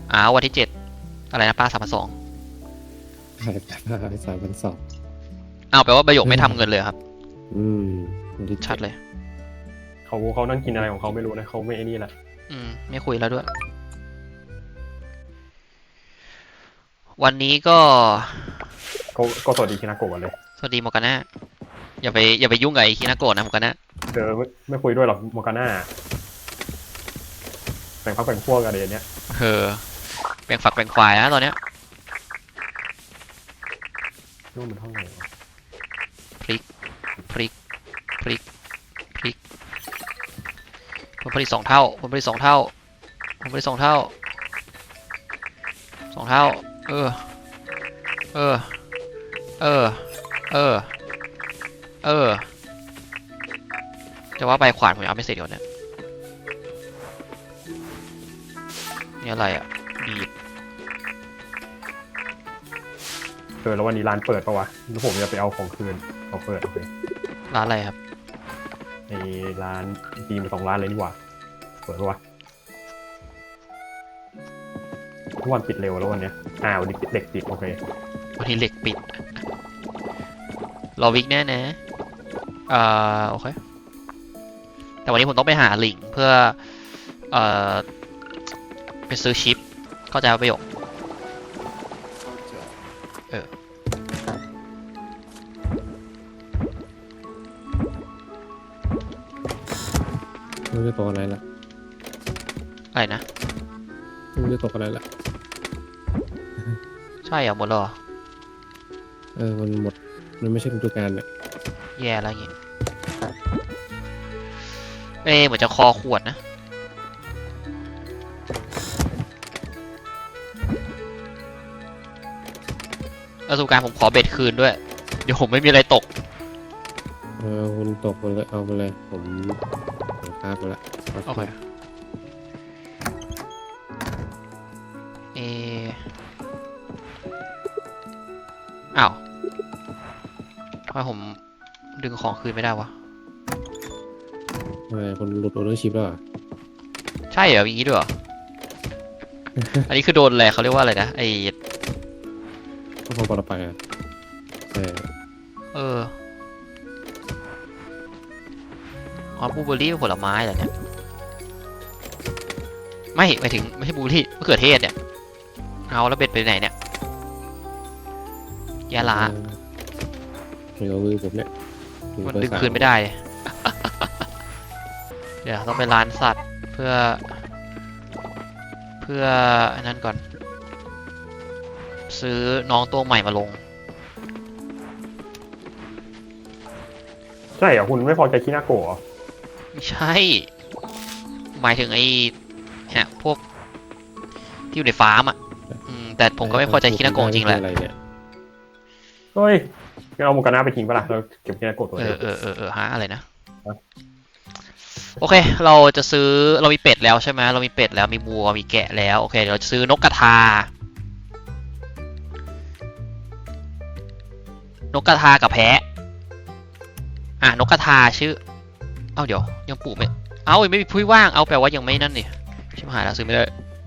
วันที่7อะไรนะป้า3,200 3,200 แปลว่าประโยคไม่ทำเงินเลยครับวันที่ชัดเลยเขานั่งกินอะไรของเขาไม่รู้นะเขาไม่ไอ้นี่แหละไม่คุยแล้วด้วย วันนี้ก็ก็สวัสดีคินาโกะกันเลยสวัสดีโมกาน่าอย่าไปยุ่งกับไอ้คินาโกะนะโมกาน่าไม่คุยด้วยหรอกโมกาน่าแบ่งพักแบ่งพวกกันเลยเนี้ยแบ่งฝักแบ่งฝ่ายนะตอนเนี้ยนู่นมันห้องไหนวะพลิกผลผลิต2 เท่าผลผลิต2 เท่า2 เท่าจะว่าใบขวานผมยังไม่เสร็จก่อนเนี่ยนี่อะไรอ่ะบีบแล้ววันนี้ร้านเปิดปะวะแล้วผมจะไปเอาของคืนเขาเปิดโอเคร้านอะไรครับในร้านดีมา2 ร้านเลยนี่หว่าเปิดปะวะทุกวันปิดเร็วแล้ววันเนี้ยวันนี้เด็กปิดโอเควันนี้เหล็กปิดรอวิกแน่นะโอเคแต่วันนี้ผมต้องไปหาลิงเพื่อไปซื้อชิปเข้าใจประโยคไม่รู้จะตกอะไรละอะไรนะไม่รู้จะตกอะไรละใช่เหรอหมดแล้วเหรอมันหมดมันไม่ใช่ฤดูกาลเนี่ยแย่แล้วอย่างงี้เหมือนจะคอขวดนะประสบการณ์ผมขอเบ็ดคืนด้วยเดี๋ยวผมไม่มีอะไรตกคุณตกมันเลยเอาไปเลยผมคาบไปละโอเคทำไมผมดึงของคืนไม่ได้วะคนหลุดโอเวอร์ชิปแล้วใช่เหรออย่างนี้ด้วยเหรอ อันนี้คือโดนอะไรเขาเรียกว่าอะไรนะก็พอปลอดภัยบลูเบอร์รี่เป็นผลไม้เหรอเนี่ยไม่หมายถึงไม่ใช่บลูเบอร์รี่มะเขือเทศเนี่ยเอาแล้วเบ็ดไปไหนเนี่ยยาลาไม่เอามือผมเนี่ยมันดึงคืนไม่ได้ เดี๋ยวต้องไปร้านสัตว์เพื่ออันนั้นก่อนซื้อน้องตัวใหม่มาลงใช่เหรอคุณไม่พอใจคินาโกะไม่ใช่หมายถึงเนี่ยพวกที่อยู่ในฟาร์มอ่ะแต่ผมก็ไม่พอใจคินาโกะจริงแหละเฮ้ยงั้นเอาโมกาน่าไปทิ้งปะล่ะเราเก็บคินาโกะตัวฮะอะไรนะโอเคเราจะซื้อเรามีเป็ดแล้วใช่ไหมเรามีเป็ดแล้วมีวัวมีแกะแล้วโอเคเดี๋ยวเราจะซื้อนกกระทากับแพะนกกระทาชื่อเดี๋ยวยังปลูกไม่ไม่มีพื้นว่างแปลว่ายังไม่นั่นนี่ชิบหายแล้วซื้อไม่ได้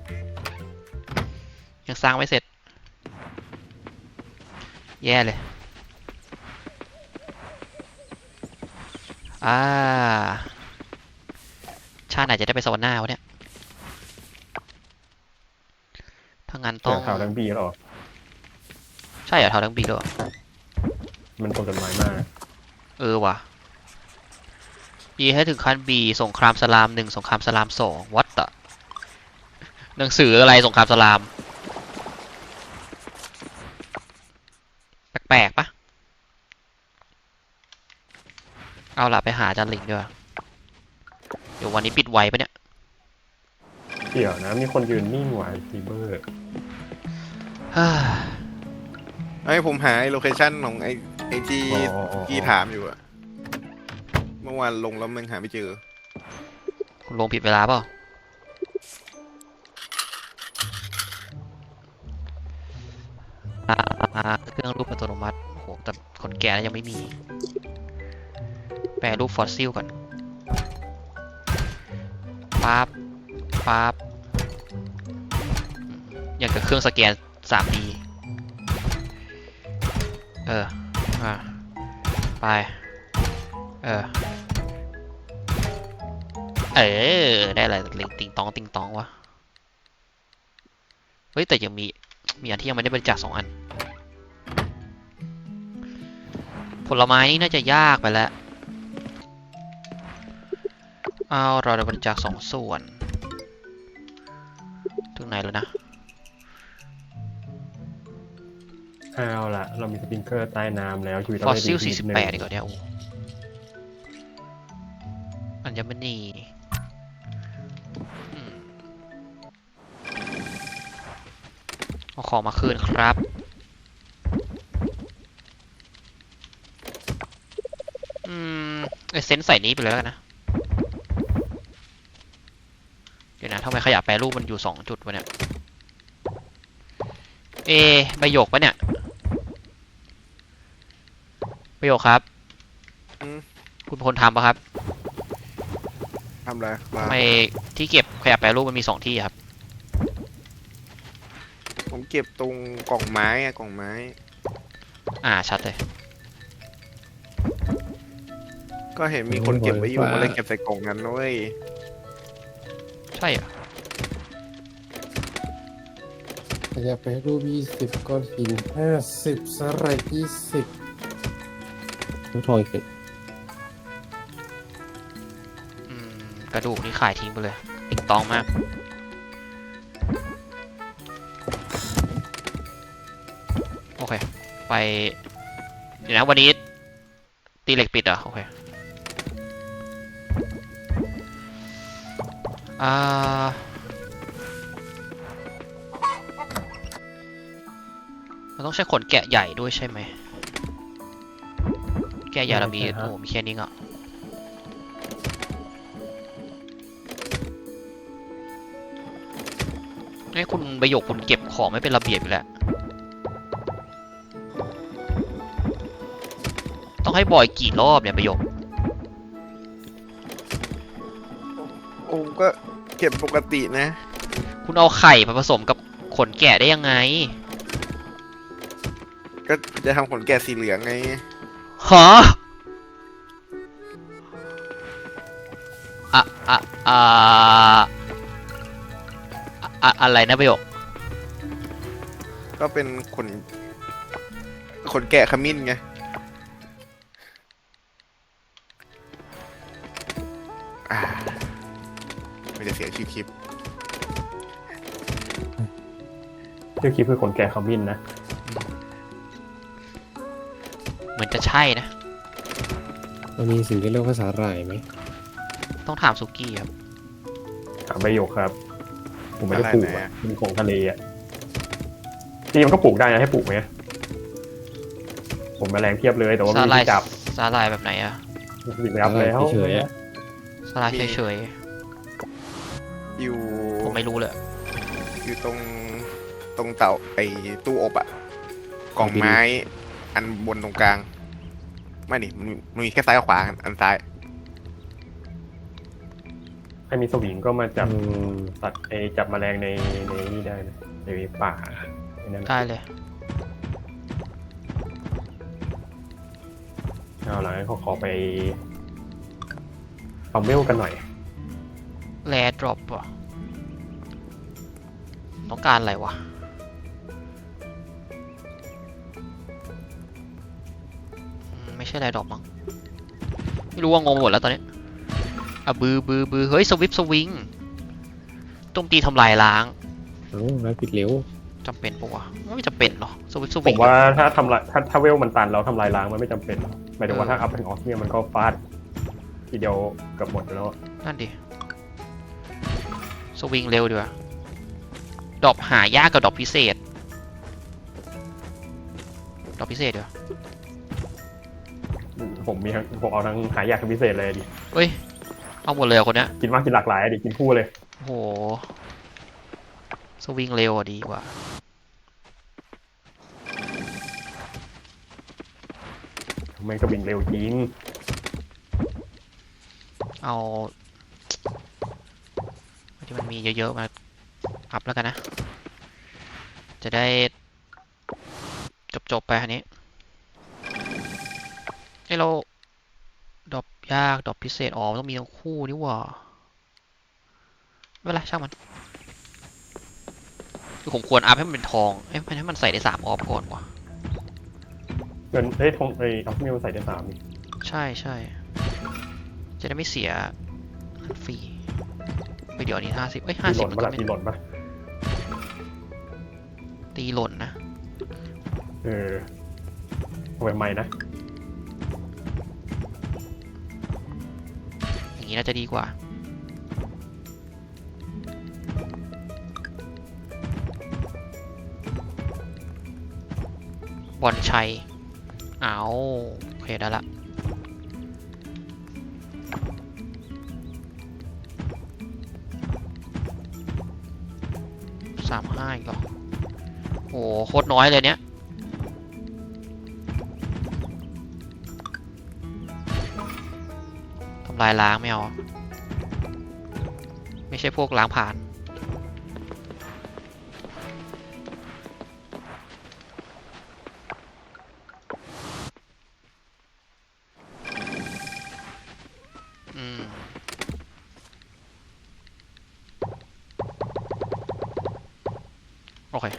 ยังสร้างไม่เสร็จแย่เลยชาติไหนจะได้ไปสวรรค์หน้าวะเนี่ยถ้างั้นต้องแถวทั้งบีหรอใช่เหรอแถวทั้งบีด้วยมันตรงจดหมายมากว่ะบีให้ถึงขั้นบีสงครามสลาม1สงครามสลาม2วัดตะหนังสืออะไรสงครามสลามแปลกๆปะเอาล่ะไปหาอาจารย์ลิงด้วยเดี๋ยววันนี้ปิดไวปะเนี่ยเดี๋ยวนะมีคนยืนนิ่งไหวซีเบอร์ให้ผมหาโลเคชั่นของไอ้ที่ถามอยู่อะเมื่อวานลงแล้วมันหาไม่เจอคุณลงผิดเวลาเปล่าเครื่องรูปอัตโนมัติโหแต่คนแก่ยังไม่มีแปลรูปฟอสซิลก่อนปั๊บอย่างกับเครื่องสแกน 3D ไปได้อะไรติงตองติงตองวะเฮ้ยแต่ยังมีอันที่ยังไม่ได้บริจาค2 อันผลไม้นี่น่าจะยากไปแล้วเอาเราได้บริจาค2 ส่วนถึงไหนแล้วนะเอาล่ะเรามีสปริงเกอร์ใต้น้ำแล้วชีวิตฟเราอสได้ซิลดีขึ้นนิดนึง 48ดีกว่าเนี่ยโอ้อัญมณีอืมเอาของมาคืนครับเซนส์ใส่นี้ไปเลยแล้วกันนะ เดี๋ยวนะทำไมขยะแปรรูปมันอยู่2 จุดวะเนี่ยใบหยกปะเนี่ยใบหยกครับ คุณเป็นคนทำปะครับทำอะไรมาทำไมที่เก็บขยะแปรรูปมันมี2 ที่ครับผมเก็บตรงกล่องไม้อะกล่องไม้ชัดเลยก็เห็นมีคนเก็บไว้อยู่ก็เลยเก็บใส่กล่องนั้นนะเว้ยใช่เหรอขยับไปรูป20ก้อนหิน50สไลด์20ลูกทองอีกกระดูกนี่ขายทิ้งไปเลยติงตองมาก โอเค ไป เดี๋ยวนะวันนี้ตีเหล็กปิดเหรอ โอเคเราต้องใช้ขนแกะใหญ่ด้วยใช่ไหม แกะใหญ่เรามีมีแค่นี้อ่ะให้คุณประโยคคุณเก็บของไม่เป็นระเบียบอยู่แล้ว ต้องให้บ่อยกี่รอบเนี่ยประโยคโอ้ก็เก็บปกตินะคุณเอาไข่มาผสมกับขนแกะได้ยังไงก็จะทำขนแกะสีเหลืองไงฮะอะอะอะไรนะประโยคก็เป็นขนแกะขมิ้นไงไม่จะเสียชื่อคลิปชื่อคลิปคือคนแก่ขมิ้นนะเหมือนจะใช่นะมันมีสิ่งที่เรียกว่าสาหร่ายไหมต้องถามสุกี้ครับถามประโยคครับ ผมไม่ได้ปลูกอะไรอ่ะนะเป็นของทะเลอ่ะจริงๆมันก็ปลูกได้นะให้ปลูกไหมผมแมลงเพียบเลยแต่ว่าสาไม่หร่ายมีที่จับสาหร่ายแบบไหนอะสิบแล้วแล้วเฉยๆอะสาหร่ายเฉยอยู่ๆผมไม่รู้เลยอยู่ตรงเตาไอ้ตู้อบอะกล่องไม้อันบนตรงกลาง ไม่ดิมันมีแค่ซ้ายกับขวาอันซ้ายให้มีสวิงก็มาจับอืมตัดจับแมลงในนี่ได้นะในป่าไอ้นั่นได้เลยเอาล่ะงั้นขอไปเอาเมลกันหน่อยแรดดรอปอ่ะต้องการอะไรวะไม่ใช่แรดดรอปมั้งไม่รู้ว่างงหมดแล้วตอนนี้บือเฮ้ยสวิปสวิงโจมตีทำลายล้างเอ้าแล้วปิดเร็วจำเป็นปะวะไม่จำเป็นหรอสวิปสผวิงมว่าถ้าทำลายถ้าเวลมันตันแล้วทำลายล้างมันไม่จำเป็นหมายถึงว่าถ้าอัพเป็นออฟเนี่ยมันก็ฟาดทีเดียวเกับหมดแล้วนั่นดิสวิงเร็วดีกว่าดรอปหายากกับดรอปพิเศษดรอปพิเศษเดี๋ยวผมเอาทั้งหายากทั้งพิเศษเลยดิเอ้ยเอาหมดเลยเหรอคนเนี้ยกินมากกินหลากหลายดิกินคู่เลยโอ้โหสวิงเร็วอ่ะดีกว่าแม่งก็วิ่งเร็วจริงเอาที่มันมีเยอะๆมาอัพแล้วกันนะจะได้จบไปอันนี้ให้เราดรอปยากดรอปพิเศษอ๋อมันต้องมีทั้งคู่นี่หว่าไม่เป็นไรช่างมันคือผมควรอัพให้มันเป็นทองให้มันใส่ได้3 ออฟก่อนว่ะเงินเฮ้ยทงเอ้ยเอามิวใส่ได้3นี่ใช่ใช่จะได้ไม่เสียฟรีไปเดี๋ยวนี้50เอ้ยตีหล่ 50 นมันปะก็ล่ะไม่ตีหล่นปะตีหล่นนะเอาไว้ใหม่นะอย่างนี้น่าจะดีกว่าบอลชัยเอาโอเคได้ละ35อีกเหรอโอ้โคตรน้อยเลยเนี้ยทำลายล้างไม่เอาไม่ใช่พวกล้างผ่านโอเค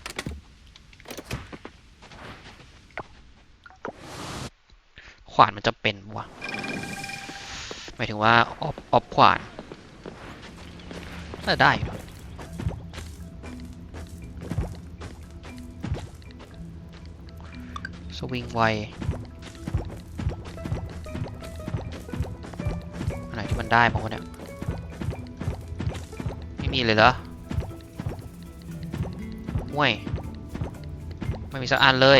ขวานมันจะเป็นวะหมายถึงว่าออฟขวานน่าจะได้อยู่นะสวิงไวอันไหนที่มันได้บ้างวะเนี่ยไม่มีเลยเหรอห่วยไม่มีสักอันเลย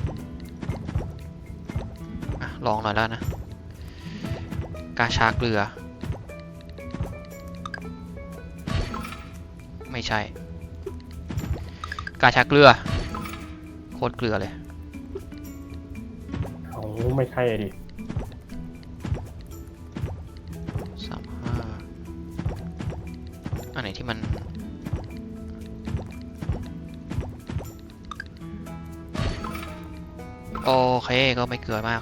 อ่ะลองหน่อยแล้วนะกาชาเกลือไม่ใช่กาชาเกลือโคตรเกลือเลยเอาไม่ใช่ดิ 35อันไหนที่มันโอเคก็ไม่เกลือมาก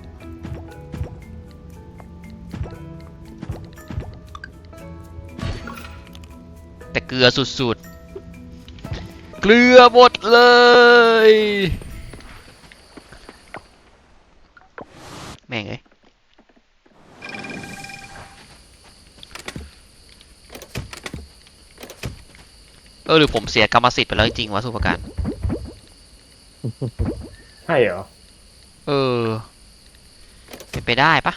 แต่เกลือสุดๆเกลือหมดเลยแม่งเอ้ยหรือผมเสียกรรมสิทธิ์ไปแล้วจริงๆวะสุภการใช่เหรอเป็นไปได้ปะ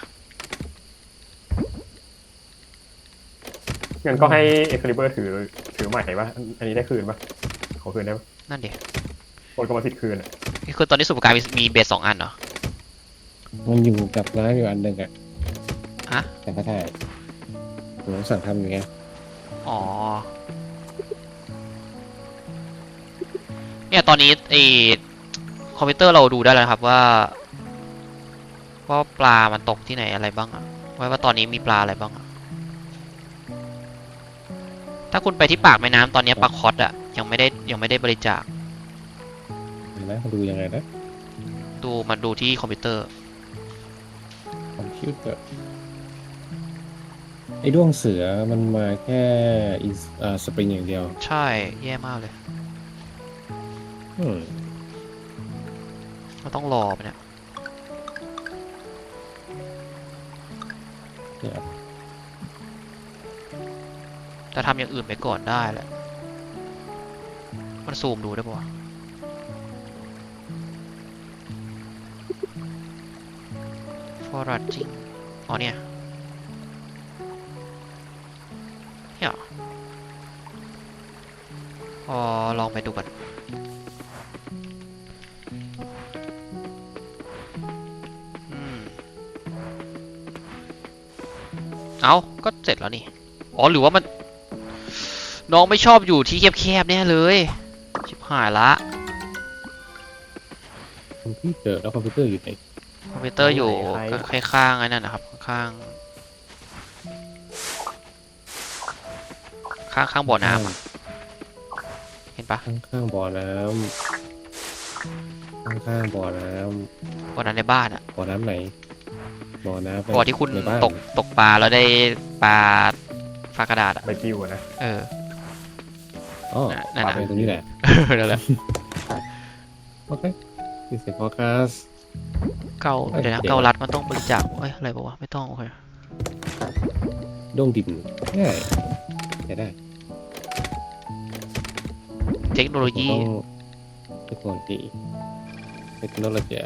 งั้นก็ให้เอ็กซ์คาลิเบอร์ถือใหม่ปะอันนี้ได้คืนปะขอคืนได้ปะนั่นดิโอนกรรมสิทธิ์คืนอะคือตอนนี้สุภการมีเบส2 อันเหรอมันอยู่กับร้านอยู่อันหนึ่งอะฮะแต่ก็ได้ผมสั่งทำอย่างเงี้ยอ๋อ เนี่ยตอนนี้คอมพิวเตอร์เราดูได้แล้วนะครับว่าปลามันตกที่ไหนอะไรบ้างอะว่าตอนนี้มีปลาอะไรบ้างอะถ้าคุณไปที่ปากแม่น้ำตอนนี้ปลาคอสอะยังไม่ได้บริจาคเห็นไหมมาดูยังไงนะมาดูที่คอมพิวเตอร์คอมพิวเตอร์ไอ้ด้วงเสือมันมาแค่สปริงอย่างเดียวใช่แย่มากเลยอืมเราต้องรอไปเนี่ยเนี่ยแต่ทำอย่างอื่นไปก่อนได้แหละ มันซูมดูได้ปะวะ foraging อ๋อเนี่ยเนี่ยลองไปดูกันเอาก็เสร็จแล้วนี่ อ๋อ หรือว่ามัน น้องไม่ชอบอยู่ที่แคบๆแน่เลย ชิบหายละคอมพิวเตอร์แล้วคอมพิวเตอร์อยู่ไหนคอมพิวเตอร์อยู่ข้างๆไอ้นั่นนะครับ ข้างบ่อน้ำอะเห็นปะข้างๆบ่อน้ำข้างๆบ่อน้วันนั้นในบ้านอะำบ่อน้ำไหนบ่อน้ำบ่อที่คุณในบ้านตกปลาแล้วได้ปลาฟ้ากระดาษอะใบกิ้วอะนะเอออ๋อนั่นปาน่ะไปตรงนี้แหละนั่นแหละโอเคดิสโฟกัสเกาเดี๋ยวนะเดี๋ยวเกาลัดมันต้องบริจาคเอ้ยอะไรบอกว่าไม่ต้องโอเคดงดินง่ายใช้ได้เทคโนโลยีเทคโนโลยีเทคโนโลยี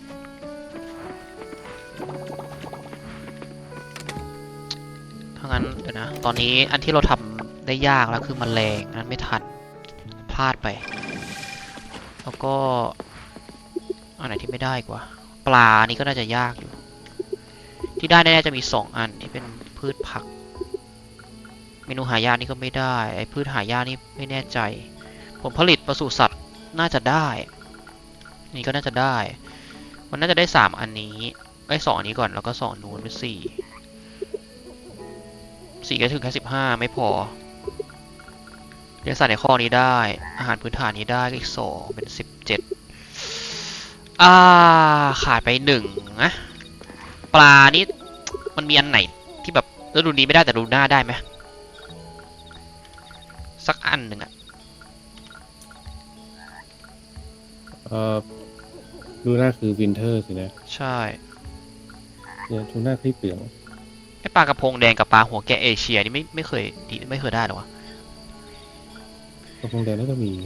ถ้างั้นเดี๋ยวนะตอนนี้อันที่เราทำได้ยากแล้วคือแมลงนั้นไม่ทันพลาดไป แล้วก็อันไหนที่ไม่ได้กว่า ปลานี่ก็น่าจะยากอยู่ ที่ได้แน่ๆจะมี2 อันที่เป็นพืชผัก เมนูหายากนี่ก็ไม่ได้ไอ้พืชหายากนี่ไม่แน่ใจ ผลผลิตปศุสัตว์น่าจะได้ นี่ก็น่าจะได้ มันน่าจะได้3 อันนี้ไอ้2 อันนี้ก่อนแล้วก็2 นู้นเป็น4ก็ถึงแค่15ไม่พอเลี้ยงสัตว์ในข้อนี้ได้ อาหารพื้นฐานนี้ได้ก็อีก2เป็น17ขาดไป1นะปลานี่มันมีอันไหนที่แบบฤดูนี้ไม่ได้แต่ฤดูหน้าได้ไหมสักอันหนึ่งอะดูหน้าคือวินเทอร์สินะใช่เนี่ยทูน่าคลิปเหลืองไอปลากระพงแดงกับปลาหัวแกะเอเชียนี่ไม่เคยได้หรอวะกระพงแดงน่าจะมี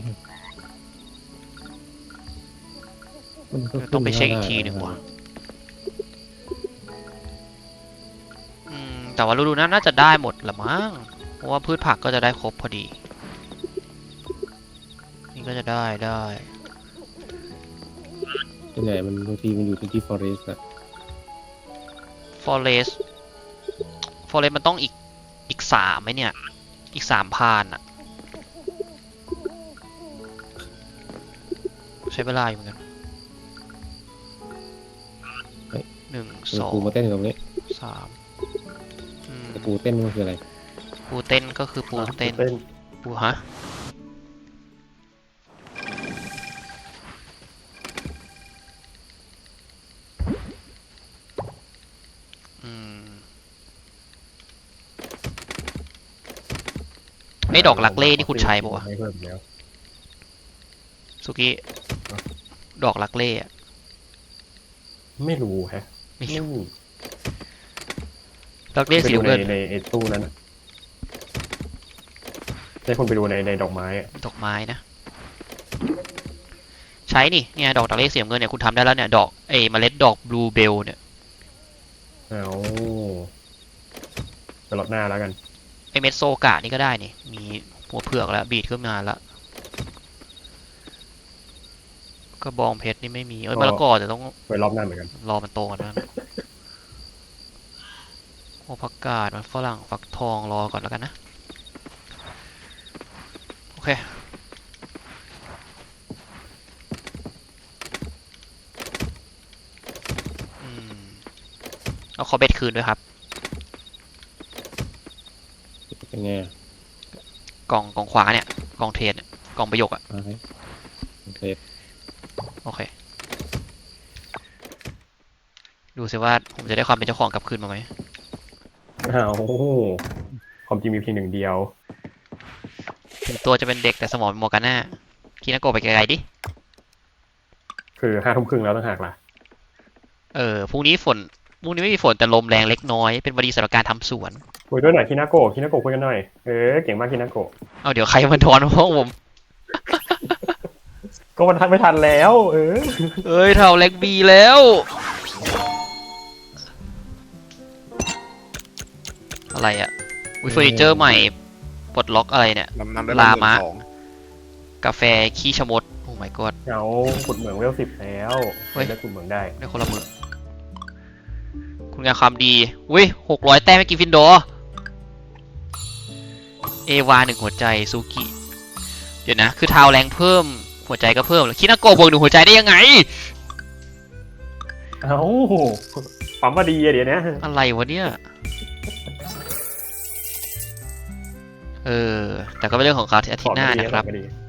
มันก็ต้องไปเช็คอีกขึ้ทีด้หนึ่งว่ะแต่ว่าฤดูหน้าน่าจะได้หมดละมั้งเพราะว่าพืชผักก็จะได้ครบพอดี นี่ก็จะได้ส่วนใหญ่มันบางทีมันอยู่ที่ฟอเรสต์อะ forest มันต้องอีก3ไหมเนี่ย อีก3 พานอะใช้เวลาอยู่เหมือนกัน1 ปูมาเต้นอยู่ตรงนี้ 2 3 แต่ปูเต้นมันคืออะไรปูเต้นก็คือปูเต้น ปูฮะไอ้ดอกลักเล่นี่คุณใช้ปะวะไม่เพิ่มแล้วสุกี้ดอกลักเล่อะไม่รู้แฮะไม่ไม่รู้มีลักเล่สีไปดูน้ำเงินในไอ้ตู้นั้นอะให้คนไปดูในดอกไม้อะดอกไม้นะ ใช้นี่เนี่ยดอกลักเล่สีน้ำเงินเนี่ยคุณทำได้แล้วเนี่ยดอกเมล็ดดอกบลูเบลเนี่ยเอาไปรอบหน้าแล้วกันไอเม็ดโซกะนี่ก็ได้นี่มีหัวเผือกแล้วบีดขึ้นมาแล้วกระบองเพชรนี่ไม่มีมะละกอแต่ต้องไปรอบหน้าเหมือนกันรอมันโตก่อนนะโอ้ผักกาดมันฝรั่งฟักทองรอก่อนแล้วกันนะโอเคเอาขอเบ็ดคืนด้วยครับเป็นไงอะกล่องขวาเนี่ยกล่องเทรดเนี่ยกล่องประโยคอะมาให้โอเคโอเคดูสิว่าผมจะได้ความเป็นเจ้าของกลับคืนมาไหมเอาความจริงมีเพียงหนึ่งเดียวถึงตัวจะเป็นเด็กแต่สมองเป็นโมกาน่าคินาโกะไปไกลๆดิคือ5 ทุ่มครึ่งแล้วต้องหักล่ะพรุ่งนี้ไม่มีฝนแต่ลมแรงเล็กน้อยเป็นวันดีสำหรับการทำสวนคุยด้วยหน่อยคินาโกะคุยกันหน่อยเก่งมากคินาโกะเอาเดี๋ยวใครมาทอนห้องผมก็มันทันไม่ทันแล้วเอ้ยเท่าเล็กบีแล้วอะไรอะวิเฟอร์นิเจอร์ใหม่ปลดล็อกอะไรเนี่ยนำได้ลามะ 12,000 กาแฟขี้ชะมดโอ้ my god เอาขุดเหมืองเวล10แล้วเฮ้ยได้ขุดเหมืองได้ได้คนละมือคุณงานความดีอุ้ย600 แต้มให้กิฟฟินดอร์เอวา1 หัวใจซูกิเดี๋ยวนะคือทาวแรงเพิ่มหัวใจก็เพิ่มคินาโกะบวก1 หัวใจได้ยังไงเอาปั๊มมาดีอะเดี๋ยวนะอะไรวะเนี่ยแต่ก็เป็นเรื่องของเขาที่อาทิตย์หน้านะครับขอมาดี